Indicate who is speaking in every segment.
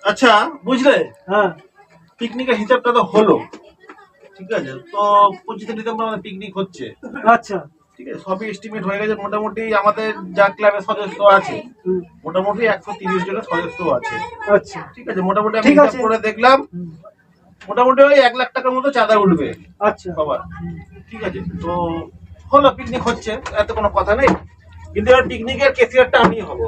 Speaker 1: আচ্ছা বুঝলে,
Speaker 2: হ্যাঁ
Speaker 1: পিকনিকের হিসাবটা তো হলো, ঠিক আছে। তো 25 ডিসেম্বর আমাদের পিকনিক হচ্ছে,
Speaker 2: আচ্ছা
Speaker 1: ঠিক আছে। সবই এস্টিমেট হয়ে গেছে মোটামুটি। আমাদের যা ক্লাবের সদস্য আছে মোটামুটি 130 জনের সদস্য আছে,
Speaker 2: আচ্ছা
Speaker 1: ঠিক আছে। মোটামুটি আমি
Speaker 2: ঠিক
Speaker 1: হিসাব
Speaker 2: আছে।
Speaker 1: করে দেখলাম মোটামুটি ওই 1 লাখ টাকার মতো চাঁদা উঠবে
Speaker 2: আচ্ছা
Speaker 1: সবার, ঠিক আছে। তো হলো, পিকনিক হচ্ছে, এত কোনো কথা নেই। কিন্তু এবার পিকনিকের ক্যাশিয়ারটা আমি হব।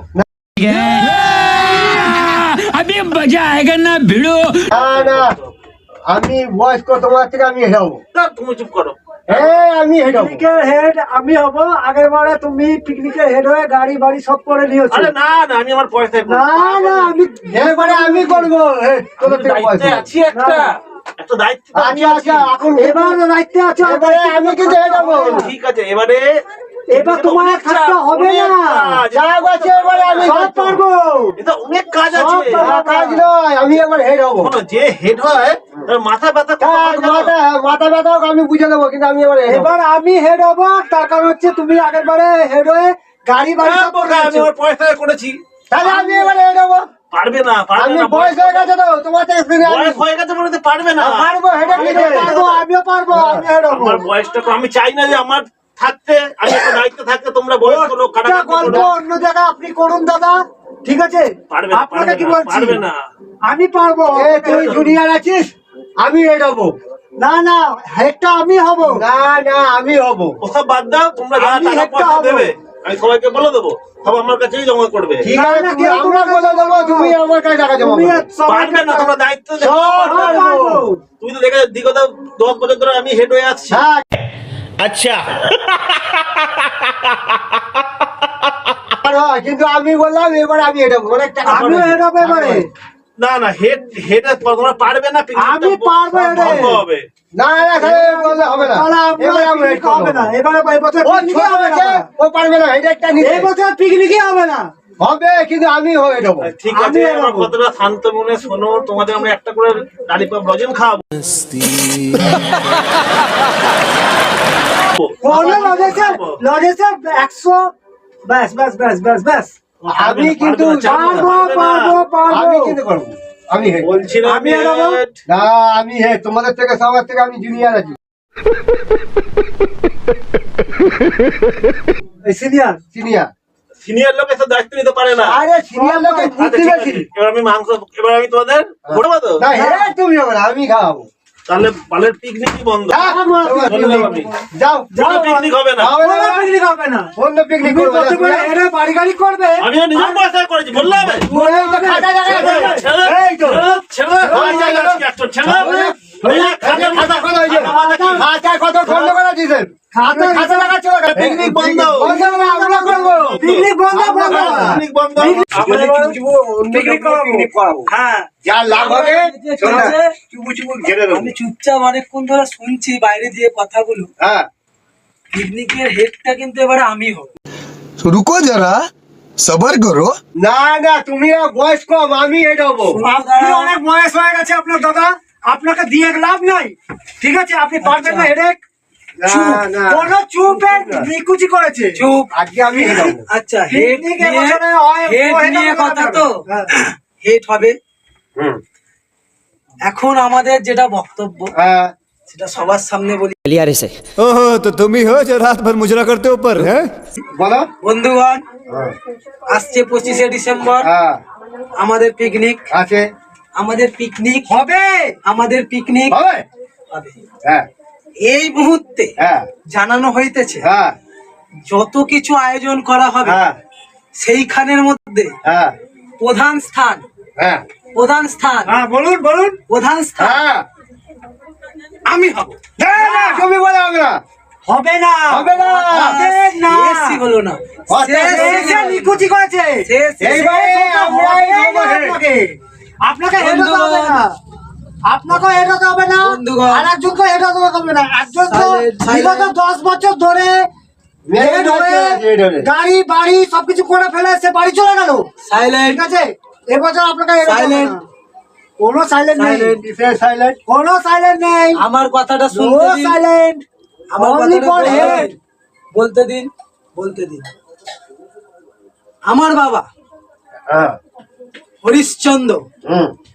Speaker 3: अभी मजा आएगा ना भिड़ो।
Speaker 4: না আমি বয়স্ক, তোমার থেকে আমি হেরাবো।
Speaker 1: না, তুমি চুপ করো।
Speaker 4: হ্যাঁ আমি হেরাবো।
Speaker 2: পিকনিকের হেড আমি হব। আগের বারে তুমি পিকনিকের হেড হয়ে গাড়ি বাড়ি সব করে নিয়েছো।
Speaker 1: আরে না না, আমি আমার পয়সায় করবো।
Speaker 2: না না আমি
Speaker 4: এবারে আমি করবো। তোদের থেকে
Speaker 1: দায়িত্বে
Speaker 4: পয়সা
Speaker 1: আছি একটা, একটা দায়িত্ব তো আমি
Speaker 4: আচ্ছা
Speaker 1: আছি।
Speaker 4: এখন
Speaker 2: এবার দায়িত্বে আছো।
Speaker 4: এবারে আমি কিন্তু হেরাবো।
Speaker 1: ঠিক আছে, এবারে
Speaker 2: এবার তোমার থাকতে হবে না।
Speaker 4: যা আছে এবারে আমি
Speaker 2: সব পারবো।
Speaker 1: এটা অনেক কাজ আছে।
Speaker 2: সব পারবো।
Speaker 4: কাজ নয়, আমি এবার হেরাবো।
Speaker 1: শোনো, যে হেড হয় তার মাথা ব্যথা কত হয় জানো?
Speaker 4: মাথা ব্যথা হোক আমি বুঝে দেবো, কিন্তু আমি এবারে হেরাবো।
Speaker 2: এবার আমি হেড হবো। তার কারণ হচ্ছে তুমি আগের বারে হেড হয়ে গাড়ি বাড়ি
Speaker 1: না,
Speaker 2: সব করে
Speaker 1: বোকা, আমি
Speaker 2: নিয়েছো।
Speaker 1: আমার পয়সায় করেছি।
Speaker 4: তাহলে আমি এবারে হেরাবো।
Speaker 1: পারবে না, পারবে
Speaker 4: আমি
Speaker 1: না।
Speaker 4: বয়স হয়ে গেছে তো, তোমার থেকে
Speaker 1: বয়স হয়ে গেছে বলে তো পারবে না।
Speaker 4: পারবো, হেঁটে নিতে
Speaker 2: পারবো, আমিও পারবো, আমি হেড হবো।
Speaker 1: আমার বয়সটা তো, আমি চাই না যে আমার থাকতে, আমি একটা দায়িত্ব থাকতে তোমরা বয়স্ক লোক
Speaker 2: একটা
Speaker 1: কাটাকাটি
Speaker 2: গল্প
Speaker 1: করো।
Speaker 2: অন্য জায়গায় আপনি করুন দাদা, ঠিক আছে?
Speaker 1: পারবে না,
Speaker 2: আপনাকে কি
Speaker 1: পারবে না,
Speaker 2: বলছি?
Speaker 1: পারবে না।
Speaker 2: আমি পারবো।
Speaker 4: তুই জুনিয়র আছিস, আমি হেরাবো।
Speaker 2: না না, হেডটা আমি হব।
Speaker 4: না না আমি হব।
Speaker 1: ওসব বাদ দাও, তোমরা যা
Speaker 2: আমি
Speaker 1: টাকা
Speaker 2: একটা
Speaker 1: পয়সা
Speaker 2: হবো।
Speaker 1: দেবে আমি সবাইকে বলে দেবো, সব আমার কাছেই জমা করবে।
Speaker 4: ঠিক আছে,
Speaker 2: না,
Speaker 4: তুমি
Speaker 2: কেউ
Speaker 4: আমরা
Speaker 2: তোমার
Speaker 4: বলে দেবো, তুমি আমার কাছে টাকা জমা
Speaker 2: তুমি
Speaker 4: করবে।
Speaker 1: পারবে না, তোমরা দায়িত্ব দেখো,
Speaker 4: সব
Speaker 1: পারবে না।
Speaker 4: পারবো।
Speaker 1: তুমি তো দেখে বিগত 10 বছর ধরে আমি হেড হয়ে আসছি।
Speaker 4: হ্যাঁ
Speaker 3: अच्छा
Speaker 4: আর হয়, কিন্তু আমি বললাম এবার আমি হেরাবো, অনেক টাকা
Speaker 2: আমিও হেড হবো এবারে।
Speaker 1: না না, হেড হেড তোমরা পারবে না।
Speaker 2: আমি পারবো হেডে।
Speaker 1: বন্ধ হবে।
Speaker 4: না না তাহলে বললে হবে না।
Speaker 2: তাহলে আমরা
Speaker 4: এবার আমি হেড
Speaker 2: পিকনিক হবে না। এবারে এই বছর
Speaker 4: ও
Speaker 2: পিকনিকই
Speaker 4: ছোট
Speaker 2: হবে না।
Speaker 4: আছে, ও পারবে না, এটা একটা নিতে
Speaker 2: এই বছর পিকনিকই হবে না।
Speaker 4: হবে, কিন্তু আমি হয়ে যাবো।
Speaker 1: ঠিক
Speaker 2: আমি
Speaker 1: আছে, আমার
Speaker 2: এরকম।
Speaker 1: কথাটা শান্ত মনে শোনো। তোমাদের আমরা একটা করে লালিপপ লজেন খাওয়াবো।
Speaker 2: কোনো লজেসে 100 ব্যাস ব্যাস ব্যাস ব্যাস ব্যাস।
Speaker 4: আমি কিন্তু আমি কিন্তু করবো, আমি হেড।
Speaker 1: বলছি না
Speaker 2: আমি
Speaker 1: আমি
Speaker 2: এরকম।
Speaker 1: head।
Speaker 4: না আমি হেড, তোমাদের থেকে সবার থেকে আমি জুনিয়র আছি।
Speaker 2: Senior
Speaker 4: senior.
Speaker 1: সিনিয়র লোক এসব দায়িত্ব নিতে পারে না।
Speaker 4: আরে সিনিয়র লোকে
Speaker 1: আচ্ছা,
Speaker 4: বুদ্ধি
Speaker 1: ঠিক
Speaker 4: বেশি।
Speaker 1: আছে। এবার আমি মাংস, এবার আমি তোমাদের ঘোরাবো তো।
Speaker 4: না হেড তুমি হবে না, আমি খাওয়াবো।
Speaker 1: তাহলে বালের পিকনিকই বন্ধ।
Speaker 4: যাও
Speaker 1: কোনো পিকনিক হবে না।
Speaker 4: হবে না,
Speaker 2: পিকনিক হবে না।
Speaker 4: অন্য পিকনিক
Speaker 2: তুমি
Speaker 4: করবো।
Speaker 2: কত করে এরা বাড়ি গাড়ি করবে?
Speaker 1: আমি তো নিজের পয়সায় করেছি, বললে হবে?
Speaker 4: ওই তো খাতা জায়গা আছে। এই তো। খাতায় কত খন্ড করে দিয়েছেন? খাতা লাগাচ্ছ না?
Speaker 1: পিকনিক বন্ধ।
Speaker 4: আমরা করবো।
Speaker 2: পিকনিক বন্ধ বন্ধ।
Speaker 1: পিকনিক বন্ধ।
Speaker 2: পিকনিক
Speaker 4: করাবো।
Speaker 2: হ্যাঁ,
Speaker 4: যা লাভ হবে শোন না, চুপু চুপু ঘেরে দেবো।
Speaker 5: আমি চুপচাপ অনেকক্ষণ ধরে শুনছি বাইরে দিয়ে কথাগুলো।
Speaker 4: হ্যাঁ
Speaker 5: পিকনিকের হেডটা কিন্তু এবারে আমি হব।
Speaker 6: रुको जरा सबर करो।
Speaker 4: না না তুমি বয়স কম, আমি এটা হবো।
Speaker 2: আপনি অনেক বয়স হয়ে গেছে আপনার দাদা, আপনাকে দিয়ে লাভ নাই, ঠিক আছে? আপনি পারবেন না হেডেক।
Speaker 4: না না
Speaker 2: কোন চুপের নিকুচি করেছে।
Speaker 5: চুপ।
Speaker 4: আজকে আমি এটা হবো।
Speaker 5: আচ্ছা, হেড
Speaker 2: পিকনিক এবছরে হয়,
Speaker 5: হেড
Speaker 2: ও হেড
Speaker 5: নিয়ে
Speaker 2: হবে
Speaker 5: কথা
Speaker 2: না।
Speaker 5: তো
Speaker 2: হ্যাঁ।
Speaker 5: হেড হবে।
Speaker 4: হুম।
Speaker 5: এখন আমাদের যেটা বক্তব্য
Speaker 4: হ্যাঁ
Speaker 5: সেটা সবার সামনে বলি।
Speaker 6: ओहो तो तुम ही हो जो रात भर मुजरा करते हो ऊपर है।
Speaker 4: বলো।
Speaker 5: বন্ধুগণ,
Speaker 4: হ্যাঁ
Speaker 5: আসছে 25শে ডিসেম্বর
Speaker 4: হ্যাঁ
Speaker 5: আমাদের পিকনিক।
Speaker 4: আছে
Speaker 5: আমাদের পিকনিক
Speaker 2: হবে।
Speaker 5: আমাদের পিকনিক
Speaker 4: হবে।
Speaker 5: হবে।
Speaker 4: হ্যাঁ
Speaker 5: এই মুহূর্তে
Speaker 4: হ্যাঁ
Speaker 5: জানানো হইতেছে
Speaker 4: হ্যাঁ
Speaker 5: যত কিছু আয়োজন করা হবে
Speaker 4: হ্যাঁ
Speaker 5: সেইখানের মধ্যে
Speaker 4: হ্যাঁ
Speaker 5: প্রধান স্থান
Speaker 4: হ্যাঁ
Speaker 2: হ্যাঁ বলুন বলুন।
Speaker 5: প্রধান স্থান
Speaker 4: হ্যাঁ
Speaker 5: আমি হব।
Speaker 4: না না তুমি বলে হবে না,
Speaker 2: হবে না।
Speaker 4: হবে না।
Speaker 2: হবে না।
Speaker 5: শেষই হলো না।
Speaker 2: এসে নিকুচি করেছে।
Speaker 4: এইবারে আমরাই হবো head।
Speaker 2: আপনাকে হেড হতে হবে না। আপনাকে হেড হতে হবে না।
Speaker 5: বন্ধুগণ।
Speaker 2: আর একজনকে হেড হতে হবে না। একজন তো
Speaker 5: Silent,
Speaker 2: বিগত 10 বছর ধরে হেড হয়ে
Speaker 4: head হয়ে।
Speaker 2: গাড়ি বাড়ি সবকিছু করে ফেলে সে বাড়ি চলে গেল,
Speaker 5: সাইলেন্ট।
Speaker 2: ঠিক আছে? এবছর আপনাকে হেড হতে হবে
Speaker 5: Silent.
Speaker 2: না। কোনো সাইলেন্ট নেই,
Speaker 4: সাইলেন্ট।
Speaker 2: কোনো সাইলেন্ট নেই,
Speaker 5: আমার কথাটা
Speaker 2: নো
Speaker 5: শুনতে দিন।
Speaker 2: সাইলেন্ট,
Speaker 5: আমার
Speaker 2: অনলি
Speaker 5: কথাটা
Speaker 2: ফর
Speaker 5: বলতে
Speaker 2: হেড।
Speaker 5: দিন। বলতে দিন, বলতে দিন। আমার বাবা
Speaker 4: হ্যাঁ
Speaker 5: হরিশ্চন্দ্র
Speaker 4: হুম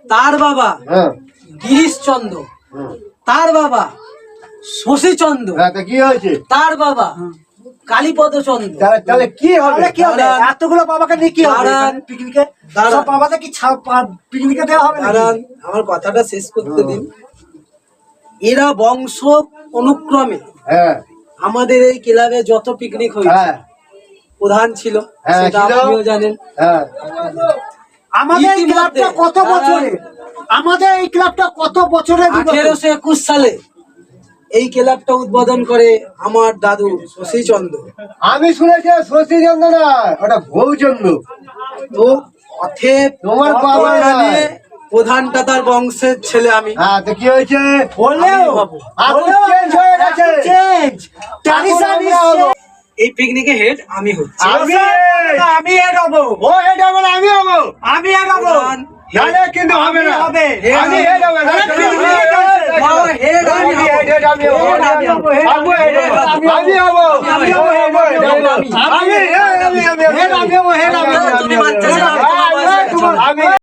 Speaker 5: তার বাবা
Speaker 4: হ্যাঁ
Speaker 5: গিরিশচন্দ্র, তার বাবা শশীচন্দ্র,
Speaker 4: হ্যাঁ, তা কি হয়েছে?
Speaker 5: তার বাবা কালীপদ চন্দ্র।
Speaker 4: তাহলে কি হবে?
Speaker 2: তাহলে কি হবে?
Speaker 5: দাঁড়ান।
Speaker 2: এতগুলো বাবাকে নিয়ে কি হবে
Speaker 5: দাঁড়ান।
Speaker 2: পিকনিকে?
Speaker 5: দাঁড়ান।
Speaker 2: সব বাবাদের কি পিকনিকে দেওয়া হবে নাকি?
Speaker 5: দাঁড়ান, আমার কথাটা শেষ করতে দিন। এরা বংশ অনুক্রমে
Speaker 4: হ্যাঁ
Speaker 5: আমাদের এই ক্লাবে যত পিকনিক হয়েছে
Speaker 4: হ্যাঁ
Speaker 5: প্রধান ছিল,
Speaker 4: হ্যাঁ,
Speaker 5: সেটা
Speaker 4: ছিল।
Speaker 5: আপনিও জানেন।
Speaker 4: হ্যাঁ
Speaker 2: আমাদের এই
Speaker 5: ইতিমধ্যে
Speaker 2: ক্লাবটা কত বছরে? আমাদের এই ক্লাবটা কত বছরে?
Speaker 5: 1821 সালে এই ক্লাবটা উদ্বোধন করে আমার দাদু শশীচন্দ্র।
Speaker 4: আমি শুনেছি শশীচন্দ্র না, ওটা গৌচন্দ্র।
Speaker 5: তো অথেব
Speaker 4: তোমার বাবা
Speaker 5: এখানে
Speaker 4: নয়।
Speaker 5: প্রধানটা তার বংশের ছেলে আমি।
Speaker 4: হ্যাঁ, তো কি হয়েছে?
Speaker 2: হলেও
Speaker 4: এখন চেঞ্জ হয়ে গেছে।
Speaker 2: চেঞ্জ ট্র্যাডিশন
Speaker 4: এখন আমরা হবো।
Speaker 5: এই পিকনিকে হেড আমি হচ্ছি।
Speaker 2: আমি এড হবো,
Speaker 4: ও হেড হবে না, আমি হবো।
Speaker 2: আমি এড হবো।
Speaker 5: প্রধান
Speaker 4: নাহলে কিন্তু হবে না।
Speaker 2: হবে।
Speaker 4: আমি হেড হবে না।
Speaker 2: আরে পিকনিকে
Speaker 5: বাবা, head আমি হবো।
Speaker 4: আমি হেড, আমি হবো।
Speaker 5: Head আমি হবো।
Speaker 4: আমি হেড হবো। আমি হবো।
Speaker 5: আমি হবো।
Speaker 4: আমি হবো। আমি হবো।
Speaker 2: হেড আমি হবো, হেড আমি হবো।
Speaker 5: তুমি বাচ্চা